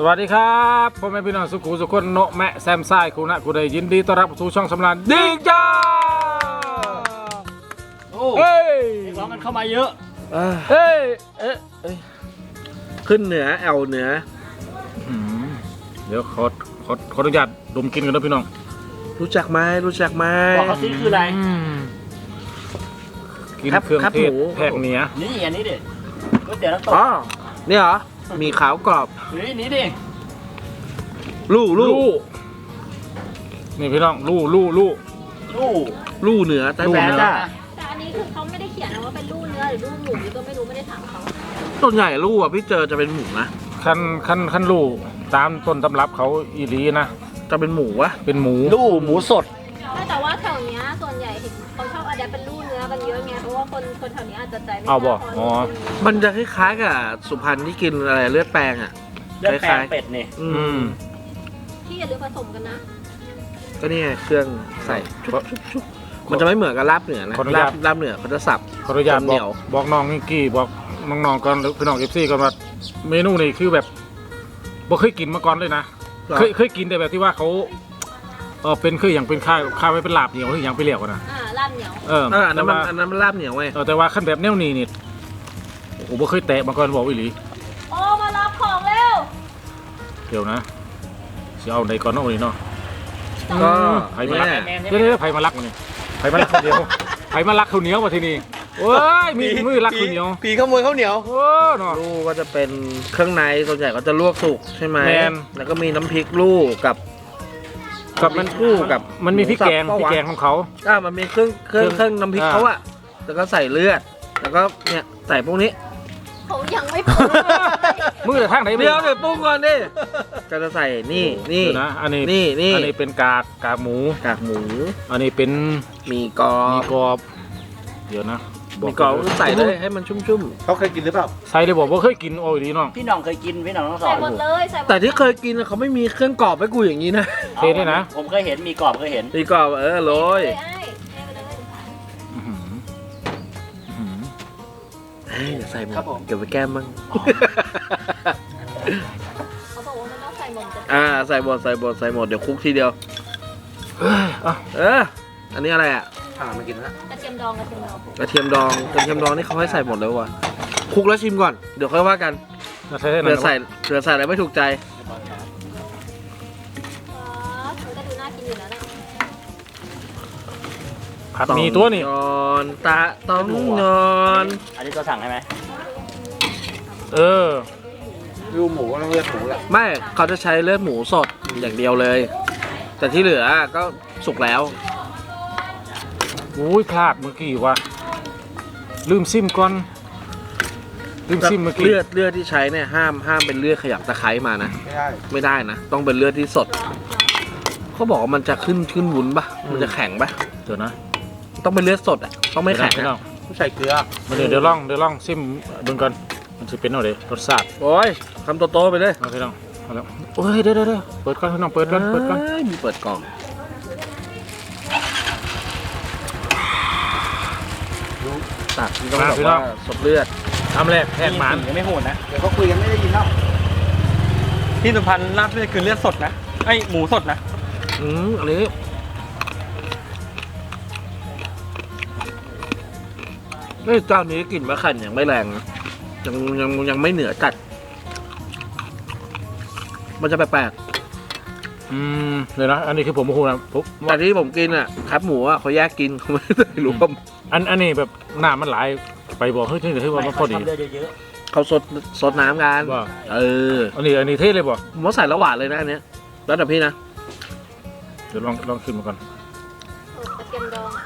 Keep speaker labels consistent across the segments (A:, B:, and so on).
A: สวัสดีครับพ่อแม่พี่น้องสุขุสุขคนโนแมะแซมไซคุณนะคุณได้ยินดีต้อนรับสู่ช่องสำรานดีจ้า
B: โอ้ร้องกันเข้ามาเยอะ
A: เฮ้ย
C: ขึ้นเหนือแอวเหนือ
A: เดี๋ยวขออนุญาตดมกินกันนะพี่น้อง
C: รู้จักไหม
B: บอกเขาซิคืออะไร
A: กินเครื่องเทศแพกเหนีย
B: นี่อันนี้ดิก๋วยเตี๋ยวน้ำตก
C: อ๋อนี่เหรอมีขาวกรอบ
B: นี่ดิ
C: ลู่
A: นี่พี่น้องลู่
C: เหนือแต่แปลจ้า
D: แต่อันนี้คือเขาไม่ได้เขียนนะว่าเป็นลู่เนื้อหรือลู่หมูก็ไม่รู้ไม่ได้ถามเขา
C: ต้นใหญ่ลู่อ่ะพี่เจอจะเป็นหมูนะ
A: ขั้นลู่ตามต้นตำรับเขาอีลีนะ
C: จะเป็นหมูวะ
A: เป็นหมู
B: ลู่หมูสด
D: แต่ว่าแถวนี้ส่วนใหญ่เห็นเขาชอบอะแดปเป็นลู่เนื้อกันเยอะไงเพราะว่าคนแถวนี้อาจจะใจไม่
A: เอาบ่อ๋อ
C: มันจะคล้ายๆกับสุพรรณที่กินอะไรเลือดแปลงอ่ะ
B: เลือดแปลงเป็ดนี่
D: ที่อย่าลืมผสมกันนะ
C: ก็นี่ไงเครื่องใส่มันจะไม่เหมือนกับลาบเหนือนะลาบเหนือเขาจะสับ
A: ขออนุญาตบอกน้องนิกกี้บอกน้องๆก่อนพี่น้องFCก่อนว่าเมนูนี้คือแบบบ่เคยกินมาก่อนเลยนะเคยกินแต่แบบที่ว่าเขาเป็นคืออย่างเป็นข้าวไว้เป็นลาบเหนียวหรืออย่างไปเรียกกันนะ
D: ลาบเหนียว
C: อันนั้นมันลาบเหนียวไง
A: แต่ว่าขั้นแบบแนวนี้นี่โอ้โหบ่เคยแตะมาก่อนบอกอีหลี
D: โอ้มารับของเร็ว
A: เดี๋ยวนะสิเอาไหนก่อนเนาะนี่เนาะ
C: ก็
A: ไผ่มาลักเดี๋ยวไผ่มาลักมาเนี่ยไผ่มาลักข้าวเหนียวไผ่มาลักข้าวเหนียวมาที่นี่โอ้ยมีมือลักข้าวเหนียว
C: ปีขโมยข้าวเหนียว
A: โอ้เนาะ
C: ลูกก็จะเป็นเครื่องในส่วนใหญ่ก็จะลวกสุกใช่ไหมแล้วก็มีน้ำพริกลูกกับมันคู่กับ
A: มันมีพริกแกงของเขา
C: มันมีเครื่องน้ำพริกเขาอะแล้วก็ใส่เลือดแล้วก็เนี่ยใส่พวกนี้
D: เขายังไม่ปรุง
A: มือแต่ทางไหน
C: เดี๋ยวปรุงก่อนดิก็จะใส่นี่
A: นะอันนี้เป็นกากหมูอันนี้เป็น
C: มีกร
A: อบเดี๋ยวนะ
C: มีกรอบใส่เลยให้มันชุ่มๆเขาเคยกินหรือเปล่า
A: ใส่เลยบอกว่าเคยกินโอ้ยดีน้อง
B: พี่น้องเคยกินพี่น้องต้องสอน
D: ใส่หมดเลย
C: แต่ที่เคยกินเขาไม่มีเครื่องกรอบให้กูอย่างนี้นะ
A: เทได้นะ
B: ผมเคยเห็นมีกรอบเคยเห็น
C: มีกรอบโรยอย่าใส่หมดเก็บไว้แก้มมั่ง
D: เขาบอกว่ามันต้องใส่หมด
C: ใส่หมดเดี๋ยวคุกทีเดียวอันนี้อะไรอ่ะมากินนะ
D: กระเทียมดอง
C: นี่เขาให้ใส่หมดเลยวะคุกแล้วชิมก่อนเดี๋ยวค่อยว่ากันเผื่อใส่อะไรไม่ถูกใจ
D: ก็ดูน่ากินอยู่แล้วนะ
A: ผัดมีตัวนี่
C: ต้องนอน
B: อันนี้ตัวสั่งใช่ไหม
C: ดูหมูต้องเลือดหมูแหละไม่เขาจะใช้เลือดหมูสดอย่างเดียวเลยแต่ที่เหลือก็สุกแล้ว
A: อุ้ยพลาดเมื่อกี้ว่ะลืมซิมก่อนเมื่อกี้
C: เลือดที่ใช้เนี่ยห้ามเป็นเลือดขยับตะไคร้มานะไม่ได้นะต้องเป็นเลือดที่สดเขาบอกว่ามันจะขึ้นวุ้นปะมันจะแข็งปะ
A: เดี๋ยวนะ
C: ต้องเป็นเลือดสดอ่ะต้องไม่แข็งนะ
A: ใส่เกลือเดี๋ยวลองซิมเบิ่งก่อนมันจะเป็นอะไรรสชาติ
C: โอ้ยคำโตๆไปเลย
A: เอาไปลองเอาแล้วโอ้ยเดี๋ยวเปิดก่อนพี่น้องเปิดก่อน
C: มีเปิดกล่องตักที่ต้องแบบว่าสดเลือด
A: ทำแรกแทงหมัน
B: ยังไม่โหดนะ
C: เดี๋ยวเขาคุยกันไม่ได้ยินแล้ว
B: ที่สุพรรณลาบเลือดคือเลือดสดนะไอหมูสดนะ
C: อันนี้เจ้านี้กลิ่นมะขั่นยังไม่แรงยังไม่เหนือจัดมันจะแปลก
A: เลยนะอันนี้คือผมพูดนะ
C: แต่ที่ผมกินอ่ะครับหมูอ่ะเขาแยกกินเขาไม่ได้รวม
A: อันนี้แบบน้ำมันไหลไปบอกเฮ้ยที่ว่ามันพอดี
C: เขาสดน้ำกัน
A: อันนี้เทเลยบ่
C: ผมว่าใส่ละหวานเลยนะอันเนี้ยแล้วแต่พี่นะ
A: เดี๋ยวลองขึ้นมาก่อน
D: กระเทียมดอง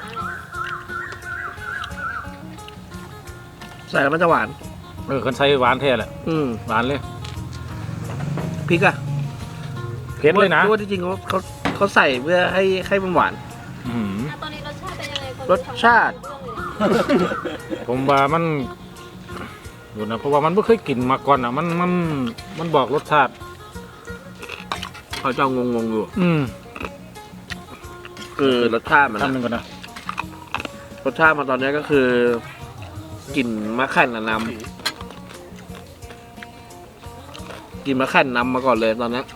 C: ใส่แล้วมันจะหวาน
A: คนใส่หวานแท้แหละหวานเลย
C: พริกอะ
A: เผ็ดเลยนะ
C: เพราะว่าจริงๆเขาใส่เพื่อให้มันหวาน
D: ตอนนี้รสชาติเป็นยังไง
C: รสชาติ
A: ผมว่ามันดูนะเพราะว่ามันไม่เคยกินมาก่อนอ่ะมันบอกรสชาติ
C: เขาจะงงอยู่รสชาติมัน
A: ทำหนึ่งก่อนนะ
C: รสชาติมาตอนนี้ก็คือกลิ่นมะขั่นนำกินมะแข่นนำมาก่อนเลยตอนนี้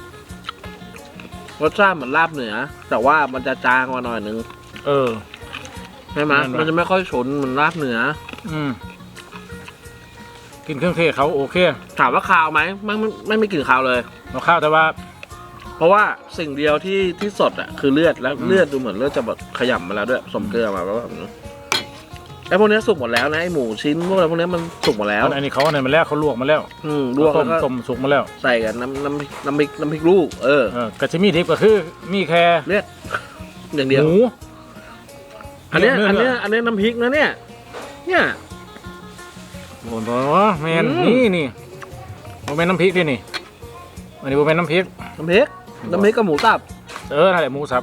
C: รสชาติเหมือนลาบเหนือ แต่ว่ามันจะจางกว่าหน่อยนึง
A: เออ
C: ใช่ไหม
A: นั่นแหละ
C: มันจะไม่ค่อยฉุนเหมือนลาบเหนือ
A: อืมกินเครื่องเทศเขาโอเค
C: ถามว่าคาวไหมไม่กลิ่นคาวเลย
A: เราข้าวแต่ว่า
C: เพราะว่าสิ่งเดียวที่สดอ่ะคือเลือดแล้วเลือดดูเหมือนเลือดจะแบบขยำมาแล้วด้วยผสมเกลือมาแล้วแบบนี้ไอ้พวกนี้สุกหมดแล้วนะไอ้หมูชิ้นพวกอะไรพวกนี้มันสุกหมดแล้ว
A: อันนี้เขาเนี่ยมาแล้วเขาลวกมาแล้ว
C: ลวก
A: ต้
C: แล้วก็
A: ต้มสุกมาแล้ว
C: ใส่กับน้ำพริกลูก
A: กระชิมีดิบก็คือมีแค่
C: เลือดอย่างเดียว
A: หมู
C: อันเนี้ย
A: เนื้อ
C: น้ำพริกนะเนี่ย
A: โอ้โหแมน
C: อืม
A: นี่โมเมนน้ำพริกด้วยนี่อันนี้โมเมนน้ำพริก
C: น้ำพริกกับหมูสับ
A: นั่นแหละหมูสับ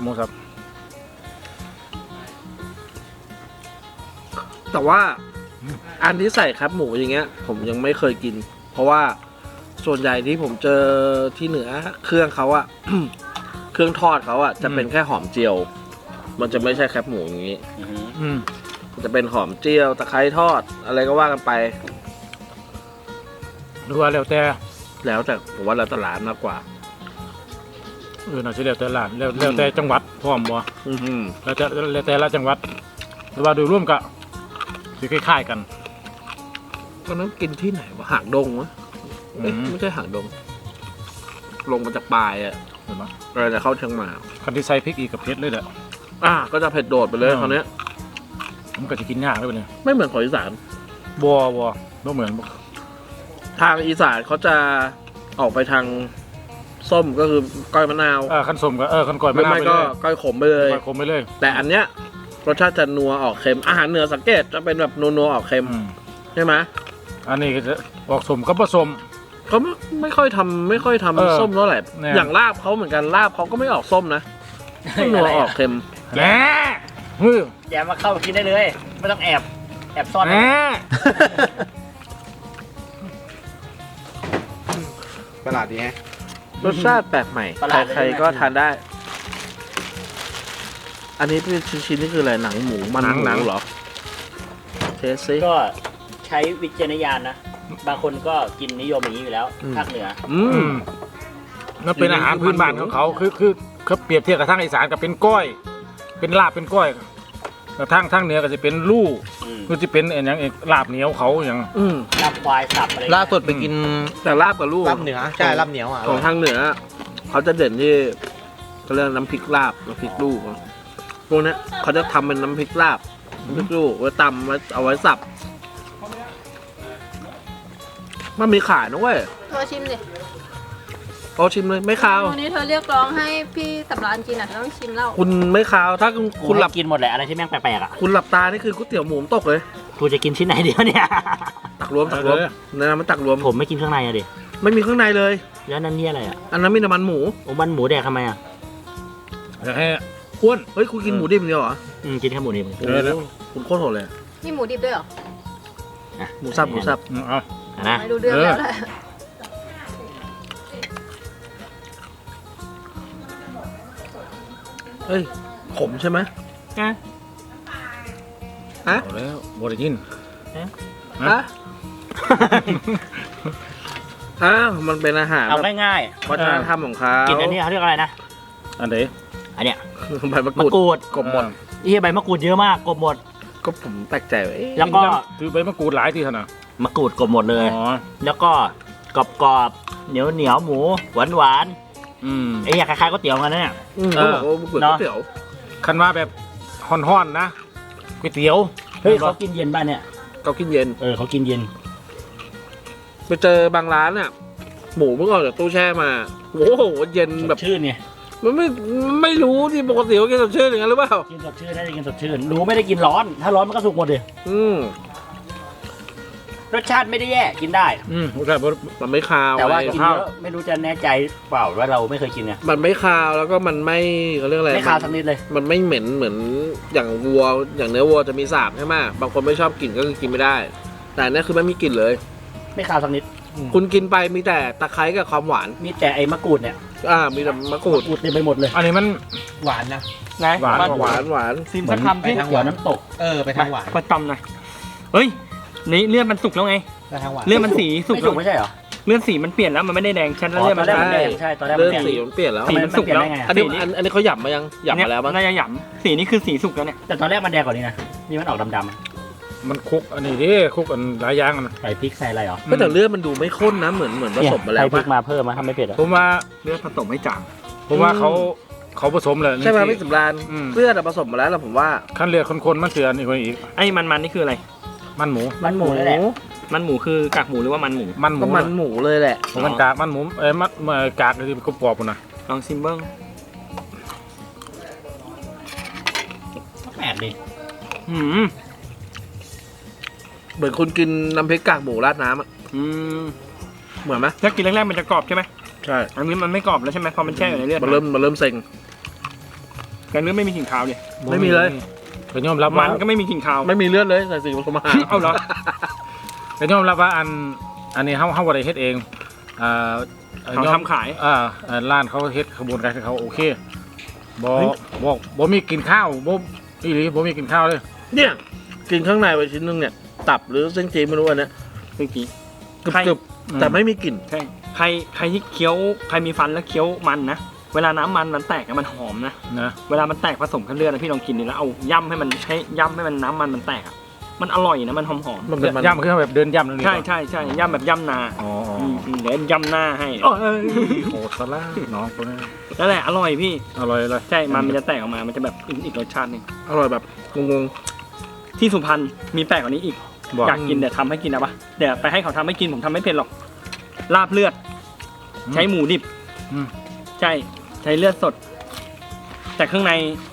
C: แต่ว่าอันที่ใส่ครับหมูอย่างเงี้ย ผมยังไม่เคยกิน เพราะว่าส่วนใหญ่ที่ผมเจอที่เหนือเครื่องเขาอะ เครื่องทอดเขาอะจะเป็นแค่หอมเจียว มันจะไม่ใช่แคบหมูอย่างงี้
A: อืม
C: มันจะเป็นหอมเจียวตะไคร้ทอดอะไรก็ว่ากันไป
A: หรือว่าแล้วแต่
C: แล้วแต่ผมว่าแล้วแต่ร้านมากกว่า
A: น่าจะแล้วแต่ร้านแล้วแต่จังหวัดพร้อมบ่
C: อืม
A: แล้วแต่ละจังหวัดหรือว่าโดยรวมก็สิคล้ายๆกัน
C: ตอนนั้นกินที่ไหนวะหางดงวะเอ๊ะ
A: อืม
C: ไม่ใช่หางดง ลงมาจากปลายอะ
A: เห็นไหม
C: อะไรจะเข้าเชียงใหม่
A: คันที่ใส่พริกอีกกับเผ็ดเลยแหละ
C: ก็จะเผ็ดโดดไปเลย
A: อืม
C: คราวเนี้ย
A: มันก็จะกินยากเลยเนี่ย
C: ไม่เหมือนของอีสาน
A: บัวบ่เหมือนบ่
C: ทางอีสานเขาจะออกไปทางส้มก็คือก้อยมะนาว
A: ขั้นสมก็ขั้นก่อย
C: ไม่
A: มะนาว
C: ไม่
A: ไป
C: ก็
A: เลย
C: ก้อยขมไปเลย
A: ก่อยคมไปเลย
C: แต่อันเนี้ยรสชาติจะนัวออกเค็ม อาหารเหนือสังเกตจะเป็นแบบนัวๆออกเค็ม
A: อืม
C: ใช่ไหม
A: อันนี้ก็จะออกสมก็ผสม
C: เขาไม่ค่อยทำ
A: เออ
C: ส้มเท่าไหร่
A: เนี่ย
C: อย่างลาบเขาเหมือนกันลาบเขาก็ไม่ออกส้มนะก็นัวออกเค็ม
A: แหน่มือ
E: อย่ามาเข้ากินได้เลย ไม่ต้องแอบซ่อน
A: แหน่
F: ประหลาดดีแฮะ
C: รสชาติแปลกใหม่ใครๆก็ทานได้ อันนี้เป็นชิ้นๆนี่คืออะไรหนังหมูมันหมูเหรอเทสซิ
E: ก็ใช้วิจารณญาณนะ บางคนก็กินนิยมอย่างนี้อยู่แล้ว
C: อืม
E: ภาคเหนือ
A: นั่นเป็นอาหารพื้นบ้านของเขาคือเขาเปรียบเทียบกับทางอีสานกับเป็นก้อย เป็นลาบเป็นก้อยแต่ทางเหนือก็จะเป็นลู่
E: อืม
A: คือจะเป็นอย่างลาบเหนียวเขาอย่าง
E: ลาบควายสับอะไร
F: ล่าสุดไปกิน
C: แต่ลาบกับลูก
F: ลาบเหนือใช่ลาบเหนียวอ่ะ
C: ของทางเหนือเขาจะเด่นที่เขาเรียกน้ำพริกลาบน้ำพริกลูกพวกเนี้ยเขาจะทำเป็นน้ำพริกลาบน้ำพริกลูกไว้ตำไว้เอาไว้สับมันมีขายนะเว้ย
D: เธอชิมดิ
C: เอาชิมเลยไม่คาว
D: วันนี้เธอเรียกร้องให้พี่สำรานกินอ่ะเธอต้องชิมแล้ว
C: คุณไม่คาวถ้าคุณหลับ
E: กินหมดแหละอะไรที่แม่งแปลกๆอ่ะ
C: คุณหลับตานี่คือก๋วยเตี๋ยวหมูตกเลย
E: กูจะกินชิ้นไหนเดียวเนี่ย
C: ตักรวมนะมันตักรวม
E: ผมไม่กินเครื่องในอะดิ
C: ไม่มีข้างในเลย
E: แล้วนั่นนี่อะไรอ่ะ
C: อันนั้นมีน้ำมันหมู
E: โอ้มันหมูแดกทำไมอ่ะ
A: อยากให้อ้วน
C: เฮ้ยคุณกินหมูดิบเดียวเหรอ
E: กินแค่หมูนี่
A: เออแล้ว
C: คุณโคตรโหดเลย
D: นี่หมูดิบด้วยเหรอ
C: หมูสับหมูสับ
A: เอา
E: นะ
D: ไม่รู้เรื่องแล้วแหละ
C: เฮ้ยขมใช่ไหม
E: นะ
A: เอาแล้วบริยิน
C: ฮะอ้าวมันเป็นอาหาร
E: เอา
C: แบบ
E: ง่าย
C: วัฒนธรรมของเขา
E: ๆ กินอันนี้เขาเรียกอะไรนะ
A: อันไหน
E: อันเนี้ย
C: ใบมะก
E: มะ
C: รูด
E: กรูด
C: กบหมด
E: เฮียใบมะกรูดเยอะมากกบหมด
C: ก็ผมแปลกใจว่าเอ๊ะ
E: แล้วก็
A: คือใบมะกรูดหลายที่ขนาด
E: มะกรูดกบหมดเลย
A: อ๋อ
E: แล้วก็กรอบๆเหนียวหมูหวาน
A: อืม
E: ๆไอ้เหี้ยคล้ายๆก๋วยเตี๋ยวกันนะเนี่ย
C: เขาบอกว่ามะกรูดก๋วยเตี๋ยว
A: คันว่าแบบห่อนๆนะก๋วยเตี๋ยว
E: เฮ้ยเขากินเย็นป่ะเนี่ย
C: เขากินเย็น
E: เขากินเย็น
C: ไปเจอบางร้านอ่ะหมูเพิ่งออกจากตู้แช่มาโอ้โหเย็น
E: ส
C: แบ
E: ด
C: บ
E: ชื่นไง
C: มันไม่รู้ที่ปกติเขากินสดชื่นอย่างนั้นหรือเปล่า
E: กินสดชื่นได้กินสดชื่นรู้ไม่ได้กินร้อน ถ้าร้อนมันก็สุกหมดเลย รสชาติไม่ได้แย่กินได้
A: โอเคบ่
C: มันไม่คาว
E: แต่ว่า
C: ไง
E: กินเยอะไม่รู้จะแน่ใจเปล่าว่าเราไม่เคยกินเนี่ย
C: มันไม่คาวแล้วก็มันไม่เขาเรียกอะไร
E: ไม่คาวสักนิดเลย
C: มันไม่เหม็นเหมือนอย่างวัวอย่างเนื้อวัวจะมีสาบใช่ไหมบางคนไม่ชอบกลิ่นก็คือกินไม่ได้ แต่อันนี่คือไม่มีกลิ่นเลย
E: ไม่คาวสักนิด
C: คุณกินไปมีแต่ตะไคร้กับความหวาน
E: มีแต่ไอ้มะกรูดเนี่ย
C: มีแต่มะกรูด
E: กรูดเต็มไปหมดเลย
A: อันนี้มัน
F: หวานนะ
B: นะ
A: หวาน
C: หวานหวาน
B: ซิมสักคำ
F: ไป
B: ที่
F: ทางห
E: เกี่ยว
F: วาน
E: น้ำตก
F: ไปทางหวาน
B: มาตำหน่อยเฮ้ยนี่เลือดมันสุกแล้วไง
F: ไปทางหวาน
B: เลือดมันสีสุก
E: ไม่
B: แล้
E: สุ
B: ว
E: กไม่ใช่เหรอ
B: เลือดสีมันเปลี่ยนแล้วมันไม่ได้แดงชัดแล้ว
E: อ๋อ
B: เลือด
E: ตอ
B: มัน น
E: แรก
B: แด
E: มัน
B: ง
E: แดงใช่ตอนแรก
C: เริ่
E: มัน
C: ม
E: แดง
C: สีมันเปลี่ยนแล้ว
B: สีมันสุกแล้ว
E: มันเปลี่ยนได้ไง
C: อันนี้อันนี้เขาหยับมายังหยับมาแล้วมั้ง
B: น่าจะหยำสีนี้คือสีสุกแล้วเนี่ย
E: แต่ตอนแรกมันแดงกว่านี้นะนี่มันออกดำ
A: มันคุกอันนี้ดิคุกอันหลายอย่างอัน
E: ๆใส่พริกใส่อะไรเหรอ
C: ก็แต่เลือดมันดูไม่ข้นนะเหมือนผสมมาแล้ว
E: ใส่พริ
C: ปะ
E: กมาเพิ่มมาทำไม่เผ็ดอ่ะ
A: ผมว่า
B: เลือดผสมให้จาง
A: ผมว่าเขาผสมเลย
C: ใช่ไหมพี่สำราญ
A: อืม
C: เลือดอะผสมมาแล้วผมว่า
A: ขั้นเลือดคนๆมันเสือนี่คนอีก
B: ไอ้มันนี่คืออะไร
A: มันหมู
E: มันหมูนั่นแหละ
B: มันหมูคือกากหมูหรือว่ามันหมู
A: มันหมู
C: ก็มันหมูเลยแหละ
A: ผมมันกากมันหมูมันกากที่กรอบๆนะ
B: ลองซิมเบิ้ง
E: แปลกดิ
B: หืม
C: เหมือนคุณกินน้ำพริกกากหมูราดน้ำอะ
B: อืม
C: เหมือนไหม
B: ถ้ากินแรกๆมันจะกรอบใช่ไหม
C: ใช่
B: อันนี้มันไม่กรอบแล้วใช่ไหมพอมันแช่อยู่ในเลือด
C: มันเริ่มเซ็ง
B: แต่เลือดไม่มีกลิ่นคาวเลย
C: ไม่มีเลย
A: ก็ยอมรับ
B: มั
A: ว่าน
B: ก็ไม่มีกลิ่นคาว
C: ไม่มีเลือดเลยใส่สีผสมอาหาร
B: เอาเหรอ
A: ก็ยอมรับว่าอันนี้เขาบ่ได้เฮ็ดเองอ่า
B: เขาทำขาย
A: ร้านเขาเฮ็ดขบวนการเขาโอเคบ่มีกินข้าวบ่อีหลีบ่มีกินข้าวเลย
C: เนี่ยกินข้างในไปชิ้นนึงเนี่ยตับหรือเส้นจีนไม่รู้อันเนี้ย
B: เมื่อกี้
C: กรึบๆแต่ไม่มีกลิ่น
B: ใช่ใครที่เคี้ยวใครมีฟันแล้วเคี้ยวมันนะเวลาน้ำมันแตกอะมันหอมนะ
A: นะ
B: เวลามันแตกผสมกับเลือดนะพี่ลองกินดิแล้วเอาย่ำให้มันน้ำมันแตกอะมันอร่อยนะมันหอม
C: มันเป็นมัน
A: ย่ำคือแบบเดินย่ำนั่น
B: ๆ
A: นี่
B: ใช่ย่ำแบบย่ำนา
A: อ๋อ
B: เดี๋ยวย่ำหน้าให้
A: โอ้ยโหดซะละน้องคนนี้
B: นั่นแหละอร่อยพี่
A: อร่อยเลย
B: ใช่มันจะแตกออกมามันจะแบบอีกรสชาติหนึง
C: อร่อยแบบงง
B: ที่สุพรรณมีแปลกกว่านี้อีก
A: บอก
B: อยากกินเดี๋ยวทำให้กินนะปะเดี๋ยวไปให้เขาทำให้กินผมทำไม่เป็นหรอกลาบเลือด ใช้หมูดิบ
A: อืม
B: ใช่ใช้เลือดสด แต่เครื่องใน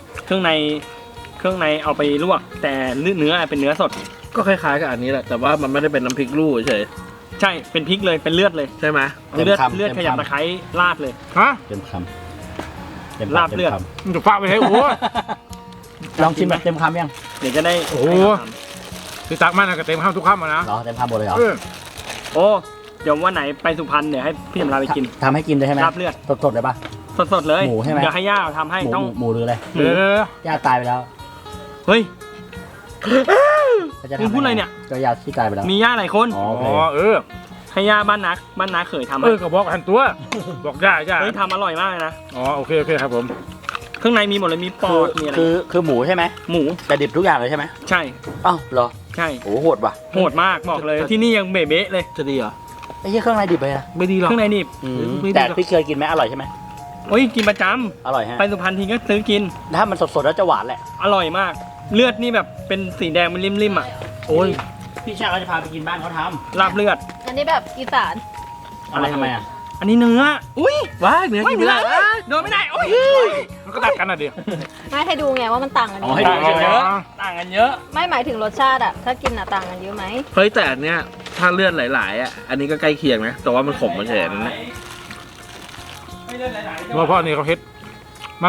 B: เอาไปลวก แต่เนื้อเป็นเนื้อสด
C: ๆก็คล้ายๆกับอันนี้แหละแต่ว่ามันไม่ได้เป็นน้ำพริกลู่เฉย
B: ใช่เป็นพริกเลยเป็นเลือดเลย
C: ใช่ไหม
B: เลือดขยับตะไคร้ราดเลย
A: ฮะ
E: เต็มคำเต็ม
B: ลาบเลือด
A: มันจะฟ้าไปให้โอ้ย
E: ลองชิมแบบเต็มคำยัง
B: เดี๋ยวจะได้
A: โอ้โห ที่ตักมันก็เต็มข้าวทุกข้ามนะ
E: เหรอเต็มคำหมดเลยเหรอ
B: โอ้เดี๋ยววันไหนไปสุพรรณเดี๋ยวให้พี่จำลาไปกิน
E: ทำให้กินเลยใช่ไหม
B: ลาบเลือด
E: สดๆเลยป่ะ
B: สดๆเลย
E: หมูใช่ไหม
B: เดี๋ยวให้ย่าทำให้
E: หมู
B: ต้อง
E: หมูหรืออะไร
B: หมู
A: เดี๋ยว
E: ย่าตายไปแล้ว
B: เฮ้ย
E: แล้วจะ
B: มึงพูดอะไรเนี่ย
E: ก็ย่าที่ตายไปแล้ว
B: มีย่าหลายคน
E: อ๋อ
A: อ๋อ
E: โอเค
B: ให้ย่าบ้านนักเขยทำ
A: เออก็บอกหันตัว บอกย่า
B: เฮ้ยทำอร่อยมากเลยนะ
A: อ๋อโอเคครับผม
B: เครื่องในมีหมดเลยมีปอดมีอะไร
E: คือหมูใช่ไหม
B: หมู
E: แต่ดิบทุกอย่างเลยใช่ไหม
B: ใช่
E: อ้าวเหรอ
B: ใช่
E: โอ้โหโหดว่ะ
B: โหดมากบอกเลยที่นี่ยังเบ๊ะๆเลย
C: จะดีเหรอ
E: ไอ้เหี้ยเครื่องในดิบเลยนะ
C: ไม่ดีหรอก
B: เครื่องในนี่
C: ไม่ดี
E: แต่
C: หรอก
E: พี่เคยกินไหมอร่อยใช่ไหม
B: โอ้ยกินประจำ
E: อร่อยฮะ
B: ไปสุพรรณทีก็ซื้อกิน
E: ถ้ามันสดๆแล้วจะหวานแหละ
B: อร่อยมาก เลือดนี่แบบเป็นสีแดงมันริมๆอ่ะ
C: โอ้ย
E: พี่ชาติเขาจะพาไปกินบ้านเขาท
B: ลาบเลือด
D: อันนี้แบบอีสาน
E: ำอะไรทำไมอ่ะ
B: อันนี้เนื้ออุ้ย
C: ว้ายเนื้อกินไม่ได้
B: โดนไม่ได้โอ้ย
A: มันก็ตัดกันน่ะดิ
D: ไม่ให้ดูไงว่ามันต่างกัน
E: อ๋
D: ยั
E: อง ให้
D: ไง
E: ดู
B: ต่างกันเยอะต่างกันเยอะ
D: ไม่หมายถึงรสชาติอะถ้ากินอะต่างกันเยอะไหม
C: เฮ้ยแต่อันเนี้ยถ้าเลือดหลายๆอ่ะอันนี้ก็ใกล้เคียงนะแต่ว่ามันขมมาเฉยๆนั่นแหละ
B: ไม่เลือดไหลๆ
A: เพราะอันนี้เขาเฮ็ดมัน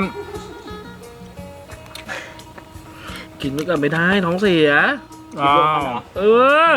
C: กินไม่กันไม่ได้ท้องเสีย
A: อ้าว
C: เออ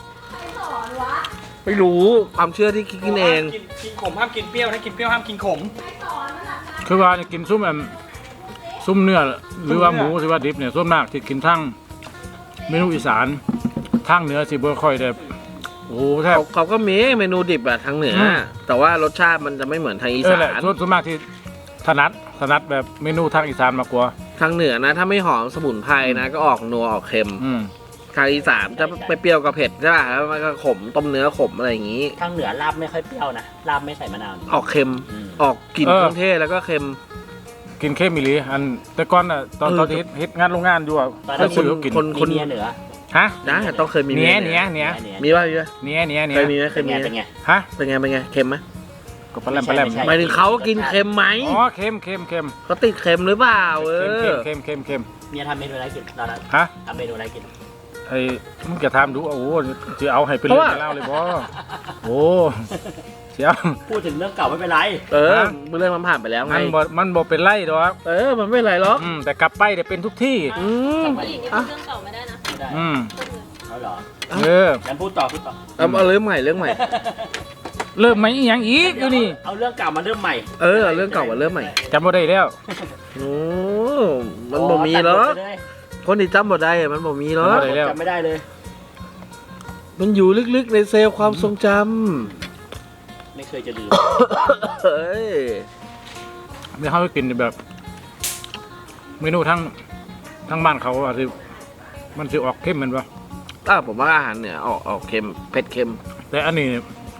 C: ไม่รู้ความเชื่อที่คิดกินเอง
B: กินขมห้ามกินเปรี้ยวถ้ากินเปรี้ยวห้ามกินขม
A: คือว่ากินซุ้มเนื้อหรือว่าหมูหรือว่าดิบเนี่ยส่วนมากที่กินทั้งเมนูอีสานทั้งเหนือสิบ่ค่อยได้โอ้โหแทบ
C: เขาก็มีเมนูดิบอะทางเหนืออ
A: ม
C: แต่ว่ารสชาติมันจะไม่เหมือนทางอี
A: เออ
C: สา
A: แหละ
C: น
A: ส่วนมากที่ถนัดแบบเมนูทางอีสานมากกว่า
C: ทางเหนือนะ ถ้าไม่หอมสมุนไพรนะ ก็ออกนัวออกเค็ม
A: อืม
C: ทางอีสานจะไปเปรี้ยวกับเผ็ดใช่ป่ะแล้วมันก็ขมต้มเนื้อขมอะไรอย่างนี้
E: ทางเหนือลาบไม่ค่อยเปรี้ยวนะลาบไม่ใส่มะนาว
C: ออกเค็ม
E: อืม
C: ออกกลิ่นเครื่องเทศแล้วก็เค็ม
A: กินเข้มอีหลีอันแต่ก่อนน่ะตอน
C: เออ
A: ตอนที่เฮ็ดงานโรงงานอยู่อ่ะ
E: ตอน
A: เค
E: นั้
A: ย
E: น
A: ซื้อเขากิน
C: คน
E: มีเมียเหนือ
A: ฮะ
C: นะต้องเคยมี
A: เนี้ย
C: ห
A: เนี้ยเนี้ย
C: มีป่ะมีป่ะ
A: เนี้ยเนี้ย
C: เค
A: เนี้ย
C: ยมีไหมเค
E: เป็
C: ย
E: น
C: มี
E: ไง
C: ไหม
E: เป็นไง
A: ฮะ
C: เป็นไงเป็นไงเค็มไหม
A: ก็ปลาแหลมปลาแหลม
E: ไม่ใช่
C: หมายถึงเขากินเค็มไหม
A: อ๋อเค็มเค็มเค็ม
C: เขาติดเค็มหรือเปล่าเออ
A: เค็มเค็มเค็ม
E: เมียทำเมนูอะไรกินตอนนั้น
A: ฮะ
E: ทำเมนูอะไรกิน
A: ไอ้มึงจะทำดูโอ้โหจะเอาให้เป็นเรื่องเป็นเล่าวเลยบ่โอ้เสียว
E: พูดถึงเรื่องเก่าไม่เป็นไร
C: เออเรื่องมันผ่านไปแล้วไง
A: มันบ่เป็นไรดอก
C: เออมันไม่เป็นไรหรอก
A: แต่กลับไปเดี๋ยวเป็นทุกที่
C: อืม
D: ผู้หญิงนี่พูดเรื่องเก่าไม่ได้นะ
E: ไม่ได้
A: อืม
E: เขาเหรอ
A: เออ
E: งั้นพูดต่อพูดต่อ
C: เอาเรื่องใหม่เรื่องใหม่
A: เริ่มไหมอีหยังอีกอยู่นี่
E: เอาเรื่องเก่ามาเริ่มใหม่
C: เออเรื่องเก่ามาเรื่องใหม่
A: จำบ่ได้แล้ว
C: โอ้มันบ่มีหรอกคนที่จำบ่ได้อะมันบ่มีหรอก
A: ได้แล้ว
E: จำไม่ได้เลย
C: มันอยู่ลึกๆในเซลล์ความทรงจ
E: ไม่เคยจะลืม
C: เฮ้ย
A: ไม่เข้าไปกินแบบ เมนูทั้งบ้านเขาอะที่มันจะออกเข้มแมันปะ
C: ผมว่าอาหารเหนือออกเค็มเผ็ดเค็ม
A: แต่อันนี้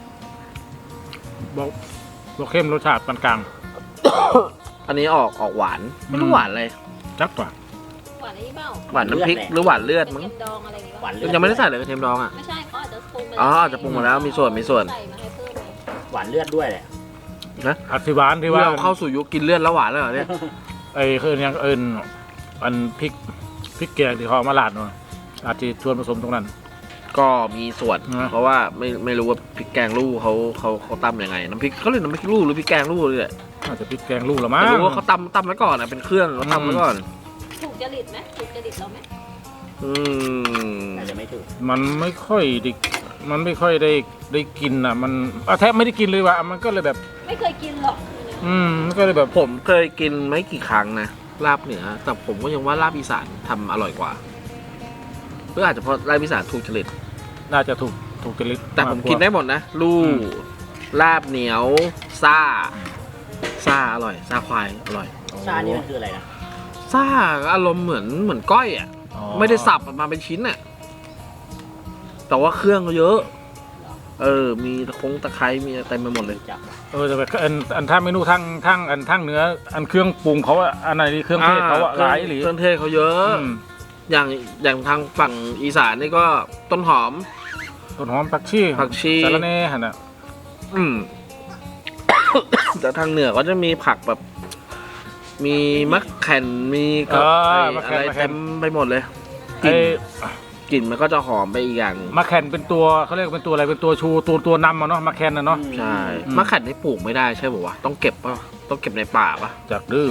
A: บอกเข้มรสชาติปานกลาง
C: อันนี้ออกหวานไม่รู้หวานอะไร
A: จักกว่า
D: หวานอะไรนี่เปล่า
C: หวานน้ำพริกหรือหวานเลือด
D: เป็น
C: มั้ง
D: เค็มดองอะไรอย่างงี้
E: หวา
D: ป่ะ
E: นเลือด
C: ยังไม่ได้ใส่เลยกระเทียมดองอ่ะ
D: ไม่ใช่เขาอาจจะปรุงมา
C: อ๋ออาจจะปรุงมาแล้วมีส่วน
D: ใส่มาให้เพิ่มไง
E: หวานเลือดด้วยแหละ
A: อธิบานที่ว่า
C: เราเข้าสู่ยุคกินเลือดแล้วหวานแล้วเหรอเนี่ย
A: ไอ้คือยังอันพริกแกงที่เขาเอามาลาดเนาะอาจจะชวนผสมตรงนั้น
C: ก็มีส่วน
A: นะ
C: เพราะว่าไม่รู้ว่าพริกแกงลูกเขาตำยังไงน้ำพริกเขาเรียกน้ำพริกลูกหรือพริกแกงลูกเลยแหละ
A: อาจจะพริกแกงลูกละมั้ง
C: แต่รู้ว่าเขาตำไว้ก่อนอ่ะเป็นเครื่องเขาตำไว้ก่อน
D: ถูกจริตไหมถูกจริตเราไหม
C: อืม
E: อาจจะไม่ถูก
A: มันไม่ค่อยได้กินอ่ะมันแทบไม่ได้กินเลยว่ะมันก็เลยแบบ
D: ไม่เคยกินหรอก
A: มันก็เลยแบบ
C: ผมเคยกินไม่กี่ครั้งนะลาบเหนือแต่ผมก็ยังว่าลาบอีสานทำอร่อยกว่าหรืออาจจะเพราะลาบอีสานถูกจริต
A: น่าจะถูกจริต
C: แต่ผมกินได้หมดนะลูกลาบเหนียวซ่าอร่อยซ่าควายอร่อย
E: ชานี่มันคืออะไรนะ
C: ซ่าอารมณ์เหมือนก้อยอ่ะ
A: อ๋อ
C: ไม่ได้สับออกมาเป็นชิ้นอ่ะแต่ว่าเครื่องก็เยอะ มีตะไคร้มีอะไรเต็มไปหมดเลย
E: จับ
A: แต่แบบอันถ้าเมนูทั้งเนื้ออันเครื่องปรุงเขาอะอันไหนที่เครื่องเทศเขาอะหลายหรือ
C: เครื่องเทศเขาเยอะ อย่างทางฝั่งอีสานนี่ก็ต้นหอม
A: ต้นหอมผักชี สาระแหน่หั่นน่ะ
C: อืม แต่ทางเหนือก็จะมีผักแบบ มีมะแข่นมีกับอะไรเต็มไปหมดเลยก
A: ไอ้
C: ลิ่นมันก็จะหอมไปอีกอย่าง
A: มะแคนเป็นตัวเขาเรียกเป็นตัวอะไรเป็นตัวชูตัวนำอะเนาะมะแคนน่ะเนาะ
C: ใช่
A: อืม
C: มะแข่นนี่ปลูกไม่ได้ใช่ป่าวะต้องเก็บป่ะต้องเก็บในป่าป่ะ
A: จากดื้อ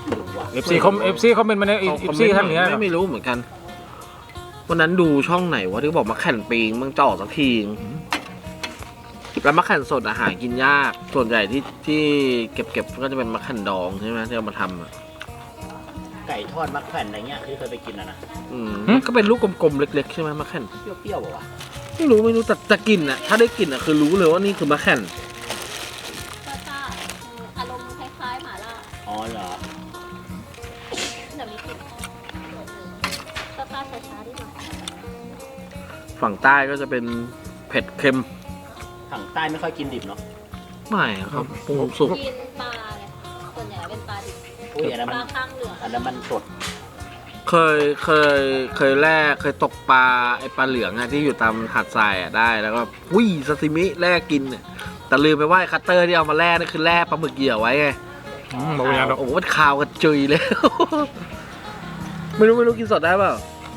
A: FC เขาเป็นมาใน FC ท่านเหนือ
C: ไม่รู้เหมือนกันวันนั้นดูช่องไหนวะที่บอกมะแข่นปีงมึงจะออกสักทีแล้วมะแข่นสดอาหารกินยากส่วนใหญ่ที่เก็บก็จะเป็นมะแข่นดองใช่ไหมที่เอามาทำอะ
E: ไก่ทอดมักแผ่นอะไรเงี้ยที่เคยไปกินนะ
C: ก็เป็นลูกกลมๆเล็กๆใช่ไหมมะแข่น
E: เปรี้ยวๆป่ะวะ
C: ไม่รู้แต่กลิ่นอะถ้าได้กลิ่นอะคือรู้เลยว่านี่คือมะแข่น
D: ซ่าอารมณ์คล้ายๆหม่าล่า
E: อ๋อเหรอ
D: แต่มีกลิ่นซ่าช้าๆดีกว่า
C: ฝั่งใต้ก็จะเป็นเผ็ดเค็ม
E: ทางใต้ไม่ค่อยกินดิบเนาะ
C: ไม่ครับปรุงสุก
D: กินปลาไงส่วนใหญ่เป็นปลาดิบ
E: อุ้ยอันนั้น
D: ป
E: มั
D: ลาน ข้างเหลือง
E: อันนั้นมันสด
C: เคยแล่เคยตกปลาไอปลาเหลืองอะที่อยู่ตามหาดทรายอะได้แล้วก็วิ่ซาซิมิแล่กินอะแต่ลืมไปว่าไอ้คัตเตอร์ที่เอามาแล่นี่คือแล่ปลาหมึกเหยี่ยวไว้ไง
A: บอกอย่างดอก
C: โอ้โหมันคาวกระจุยเลย ไม่รู้กินสดได้เปล่า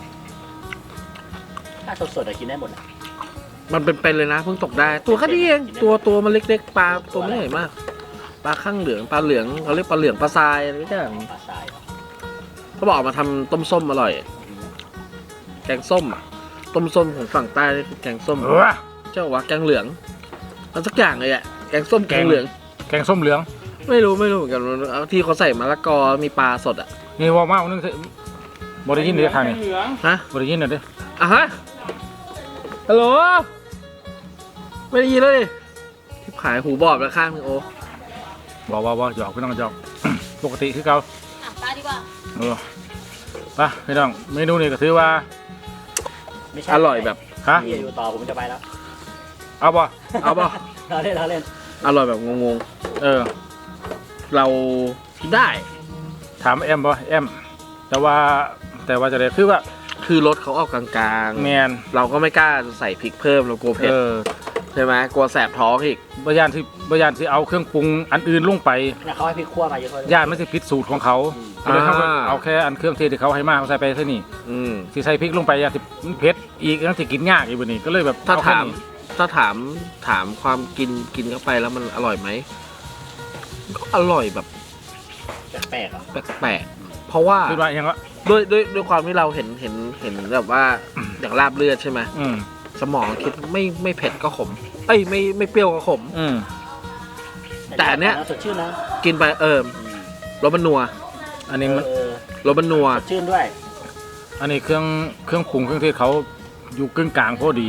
E: ถ้าสดๆอะกินได้หมดอะ
C: มันเป็นเลยนะเพิ่งตกได้ ตัวแค่นี้เองตัวมันเล็กๆปลาตัวไม่ใหญ่มากปลาข้างเหลืองปลาเหลืองเขาเรียกปลาเหลืองปลาทรายอะไรอย่าง
E: ปลาทราย
C: เขาบอกเอามาทำต้มส้มอร่อย แกงส้มอะต้มส้มของฝั่งใต้นี่คือแกงส้มเจ้าว่าแกงเหลืองมันสักอย่างเลยอะแกงส้มแกงเหลือง
A: แกงส้มเหลือง
C: ไม่รู้เหมือนกันเอาที่เขาใส่มะละกอมีปลาสดอะ
A: นี่ว่ามาวันนึงบริยินเดี๋ยวทางนี้
C: ฮะ
A: บริยินหน่อยดิ
C: อ่ะฮะฮัลโหลไม่ได้ยินเลยที่ขายหูบอบแล้วข้างนึงโอ
A: บอกว่าหยอกพี่น้องหยอก ปกติคือเก่า
D: อ่ะปลาดีกว่า
A: ไปพี่น้องเมนูนี้ก็ถือว่า
E: ไม่ใช่
C: อร่อยแบบ
A: ฮะ
E: พี่อยู่ต่อผมจะไปแล้ว
A: เอาบ่
C: เอาป่ะ
E: เราเล่น
C: อร่อยแบบงง
A: เออ
C: ๆเรากินได้
A: ถามแอมบ่แอมแต่ว่าจะได้คือว่า
C: คือรสเขาออกกลาง
A: แมน
C: ๆเราก็ไม่กล้าใส่พริกเพิ่มเรากลัวเผ็ด ใช่ไหมกลัวแสบท้องอีก
A: บยานที่เอาเครื่องปรุงอันอื่นลงไป
E: นะเขาให้พริกคั่วมาเยอะเลย
A: ย่านไม่ใช่ผิดสูตรของเขาก็เลยเอาแค่อันเครื่องเทศที่เขาให้มาเขาใส่ไปเท่านี้
C: อืม
A: ที่ใส่พริกลงไปย่านที่เผ็ดอีกนั่นที่กินยากอีกวันนี้ก็เลยแบบ
C: ถ้า
A: เอแค่
C: ถาม
A: นี้
C: ถามความกินเข้าไปแล้วมันอร่อยไหมก็อร่อยแบบ
E: แปลกๆอ่ะ
C: แปลกๆเพราะว่า
A: คือว่าอย่างว่า
C: ด้วยความที่เราเห็นแบบว่าอย่างลาบเลือดใช่ไหม
A: อืม
C: สมองคิดไม่เผ็ดก็ขมเอ้ยไม่เปรี้ยวก็ขม
A: อืม
C: แต่อันเนี้ย
E: สดชื่นนะ
C: กินไปรสมันนัว
A: อันนี้มัน
C: รสมันนัว
E: สดชื่นด้วย
A: อันนี้เครื่องปรุงเครื่องเทศเขาอยู่กึ่งกลางพอดี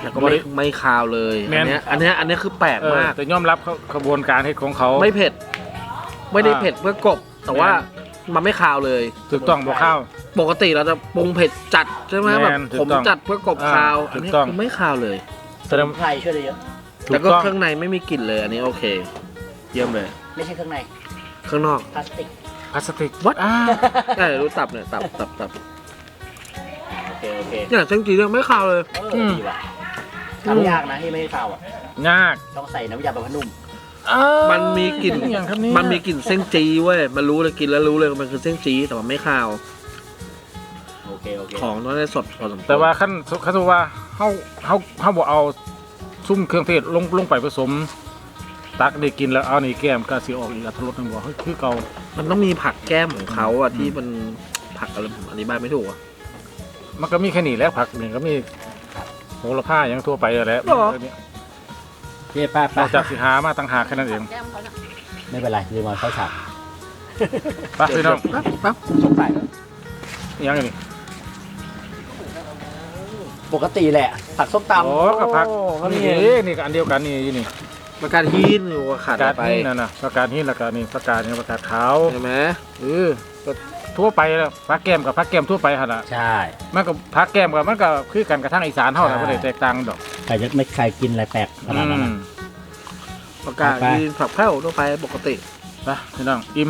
C: แล้วก็ไม่คาวเลย
A: แม่
C: อัน
A: น
C: เนี้ยคือแปลกมาก
A: แต่ยอมรับเขาขบวนการเฮ็ดของเขา
C: ไม่เผ็ด ไม่ได้เผ็ดเพื่อกลบแต่ว่ามันไม่คาวเลย
A: ถูกต้องบ่ข้าว
C: ปกติเราจะปรุงเผ็ดจัดใช่ไหม
A: แม่
C: แบบ
A: นถู
C: ผ
A: ก
C: ม
A: ต้อง
C: จัดเพื่อกลบคาว
A: ถู
C: อัน
A: ก
C: นี้
A: ต้อง
C: คือไม่คาวเลย
A: แส
E: ส
A: ดง
E: มุนไพรช่วยได้เยอะ
C: แล้วก็
A: ถูต้อง
C: เครื่องในไม่มีกลิ่นเลย อันนี้โอเค เยี่ยมเลย
E: ไม่ใช่เครื่องใน
C: ข้างนอก
E: พลาสติก
A: พลาสติก
C: What? ใช่รู้ตับเนี่ยตับ
E: โอเคโอเค
C: เนี่ยเส้นจีนยังไม่คาวเลย
E: ดีว่ะทำยากนะที่ไม่ให้ข้าวอ่ะ
A: ยาก
E: ต้องใส่น้ำยาบำรุงนุ่ม
C: มันมีกลิ่น
A: อย่างครับเนี่ย
C: มันมีกลิ่นเส้นจีเว้ยมันรู้เลยกินแล้วรู้เลยว่ามันคือเส้นจีแต่มันไม่คาว
E: โอเคโอเค
C: ของต้องได้สดพอสมควร
A: แต่ว่าขั้นว่าเฮาบ่เอาซุ่มเครื่องเทศลงไปผสม ตักได้กินแล้วเอานี่แก้มก็สิออกอีกอรรถรสนึงบ่เฮ้ยคือเก่า
C: มันต้องมีผักแก้มของเขาอะที่มันผักอะไรผมอธิบายไม่ถูกอะ
A: มันก็มีแค่นี้แหล้วผักนี่ก็มีโหระพาอย่างทั่วไปนั่นแหละ
C: หรอ
E: เย้ป้าน
A: อกจากสิหามาต่างหากแค่นั้นเอง
D: แก้มเขาน่ะ
E: ไม่เป็นไรลืมเอาเข้าฉาก
A: ไปพี่น้อง
C: ปั๊บ
E: สงสัย
A: ยังไงนี่
E: ปกติแหละ ผักส้มตำ
A: โอ้กับผัก
E: เขา
A: นี่
E: นี่
A: นี่ก็อันเดียวกันนี่อยู่นี่
C: ประกาศฮีนอยู่ขาด
A: ประกาศ
C: ไป
A: หินนั่นน่ะประกาศหินแล้วก็นี่ประกาศนี่ประกาศขาว
C: ใช่ไหม
A: ก็ทั่วไปแล้วผักแก้มกับผักแก้มทั่วไปหั่นน่ะ
E: ใช่
A: มันก็ผักแก้มกับมันก็คือกันกระทั่งอีสานเท่านั้น
E: ใช่
A: บ่ได้แตกต่างดอก
E: ใครจะไม่ใครกินอะไรแปลกขนาดนั้น
A: อื
E: นะ
A: ม
C: ประกาศฮีนผักแพ้วทั่วไปปกติ
A: ไปพี่น้องอิ่ม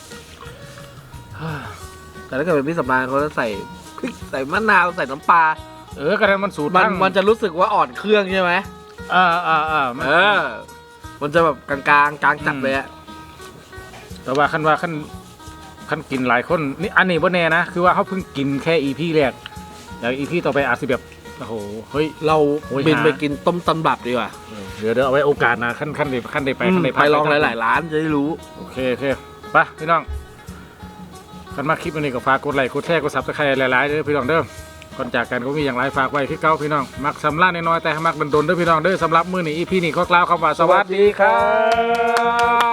C: แต่ถ้าเกิดเป็นพี่สำราญเขาจะใส่พริกใส่มะนาวใส่น้ำปลา
A: กระทั่งมันสูตร
C: มันจะรู้สึกว่าอ่อนเครื่องใช่ไหม
A: มัน
C: มันจะแบบกลางๆกลางจัดเลยอะ
A: แต่ว่าขั้นกินหลายคนนี่อันนี้บ่แน่นะคือว่าเขาเพิ่งกินแค่ EP แรกอย่าง EP ต่อไปอาจสิแบบโอ้โหเฮ้ย
C: เรา
A: โอ้ย
C: บิน
A: หา
C: ไปกินต้มตำบับดีกว่า
A: เดี๋ยวเอาไว้โอกาสนะขั้นได้ไปขั้นได้
C: ไปลองหลายๆร้านจะได้รู้
A: โอเคไปพี่น้องกันมาคลิปวันนี้ก็ฝากกดไลค์กดแชร์กดซับสไครต์หลายๆเด้อพี่น้องเด้อก่อนจากกันก็มีอย่างไรฝากไว้ที่เก้าพี่น้องมักสำลักน้อยๆแต่มักดนๆเด้อพี่น้องเด้อสำหรับมื้อนี้ EP นี้ก็กล่าวคำว่าสวัสดีครับ